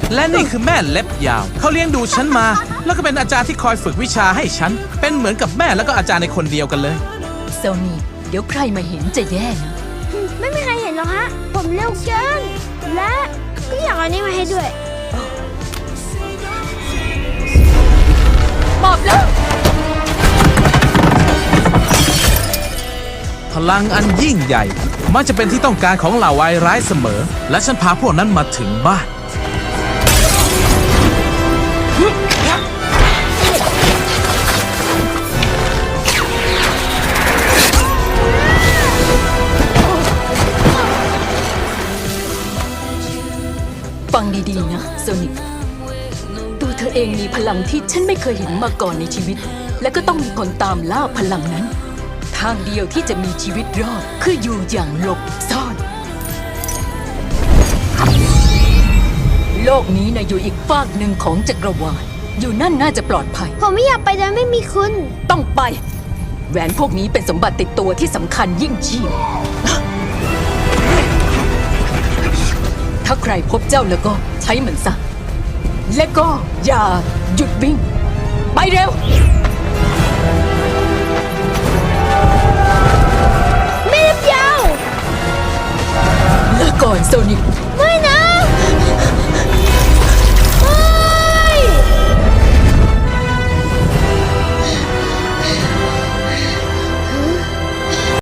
และนี่คือแม่เล็บยาวเขาเลี้ยงดูฉันมาแล้วก็เป็นอาจารย์ที่คอยฝึกวิชาให้ฉันเป็นเหมือนกับแม่แล้วก็อาจารย์ในคนเดียวกันเลยโซนี่เดี๋ยวใครมาเห็นจะแย่นะไม่มีใครเห็นหรอกฮะผมเร็วเกินและก็อยากเอานี้มาให้ด้วยหมอบแล้วพลังอันยิ่งใหญ่มักจะเป็นที่ต้องการของเหล่าวายร้ายเสมอและฉันพาพวกนั้นมาถึงบ้านฟังดีๆนะโซนิกตัวเธอเองมีพลังที่ฉันไม่เคยเห็นมาก่อนในชีวิตและก็ต้องมีคนตามล่าพลังนั้นทางเดียวที่จะมีชีวิตรอดคืออยู่อย่างหลบซ่อนโลกนี้นะอยู่อีกฟากหนึ่งของจักรวาลอยู่นั่นน่าจะปลอดภัยผมไม่อยากไปโดยไม่มีคุณต้องไปแหวนพวกนี้เป็นสมบัติติดตัวที่สำคัญยิ่งชีพถ้าใครพบเจ้าแล้วก็ใช้มันซะและก็อย่าหยุดวิ่งไปเร็วไม่เล็บยาวลาก่อนโซนิก